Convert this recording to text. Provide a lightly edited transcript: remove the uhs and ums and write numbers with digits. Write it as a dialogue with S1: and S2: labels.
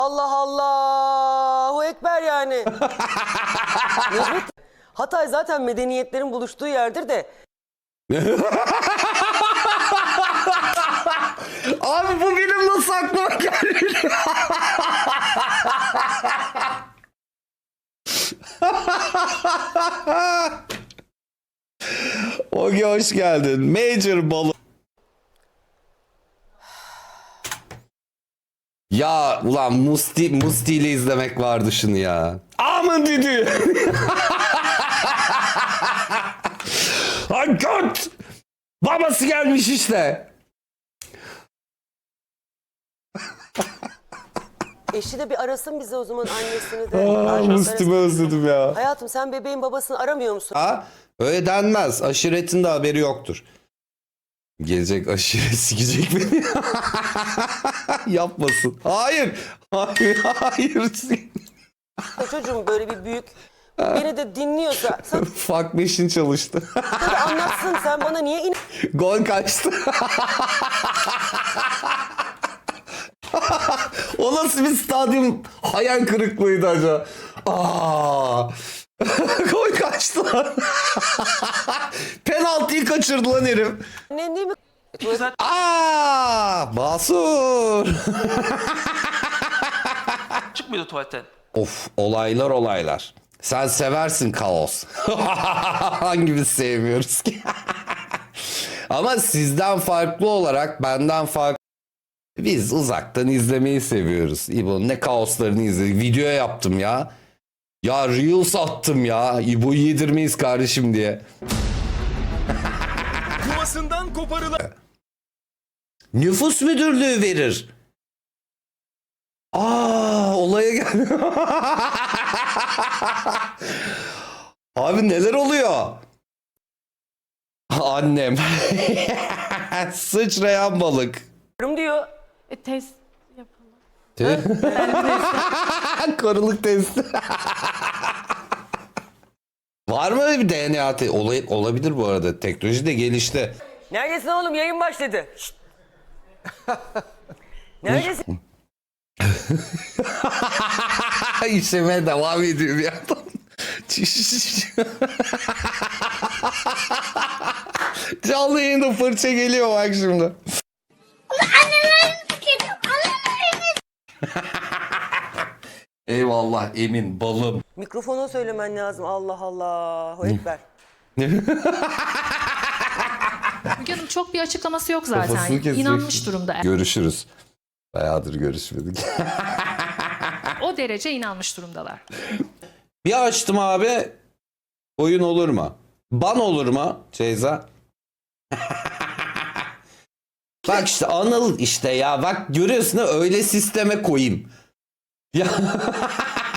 S1: Allah Allahu Ekber yani. Necmet, Hatay zaten medeniyetlerin buluştuğu yerdir de.
S2: Abi bu benim nasıl aklıma geldi? Ogi hoş geldin. Major balı. Ya ulan Musti ile izlemek vardı şunu ya. Aman düdü. Ay göt. Babası gelmiş işte.
S1: Eşi de bir arasın bize o zaman, annesini de.
S2: Musti'mi özledim ya.
S1: Hayatım, sen bebeğin babasını aramıyor musun?
S2: Ha? Öyle denmez. Aşiretin de haberi yoktur. Gelecek aşiret sikecek beni. Yapmasın. Hayır. Hayır. Hayır.
S1: Çocuğum böyle bir büyük. Beni de dinliyorsa. Sen
S2: Fuck machine çalıştı.
S1: de anlatsın, sen bana niye
S2: Gol kaçtı. O nasıl bir stadyum hayal kırıklığıydı acaba? Aa! Gol kaçtı lan. Penaltıyı kaçırdı lan herif.
S1: annen değil mi?
S2: Aa! Basur.
S3: Çıkmıyordu tuvaletten.
S2: Of, olaylar. Sen seversin kaos. Hangimiz sevmiyoruz ki? Ama sizden farklı olarak benden farklı. Biz uzaktan izlemeyi seviyoruz. İbo ne kaoslarını izledik. Video yaptım ya. Ya Reels attım ya. İbo'yu yedirmeyiz kardeşim diye.
S4: Yuvasından koparılan
S2: Nüfus müdürlüğü verir. Aa, olaya gel. Abi neler oluyor? Annem. Sıçrayan balık.
S1: Diyor.
S5: Test yapalım.
S2: Karılık testi. Var mı öyle bir DNA testi? Olabilir bu arada. Teknoloji de gelişti.
S1: Neredesin oğlum? Yayın başladı. Şşt. Neredesin?
S2: İşlemeye devam ediyor bir yandan. Canlı yayında fırça geliyor bak şimdi. Eyvallah Emin balım.
S1: Mikrofona söylemen lazım. Allah Allahu Ekber.
S5: Müge Hanım çok bir açıklaması yok
S2: Kafasını
S5: zaten.
S2: kesecek.
S5: İnanmış durumda.
S2: Görüşürüz. Bayağıdır görüşmedik.
S5: O derece inanmış durumdalar.
S2: Bir açtım abi. Oyun olur mu? Ban olur mu Ceyza? Bak işte Anıl işte ya. Bak görüyorsun ha, öyle sisteme koyayım. Ya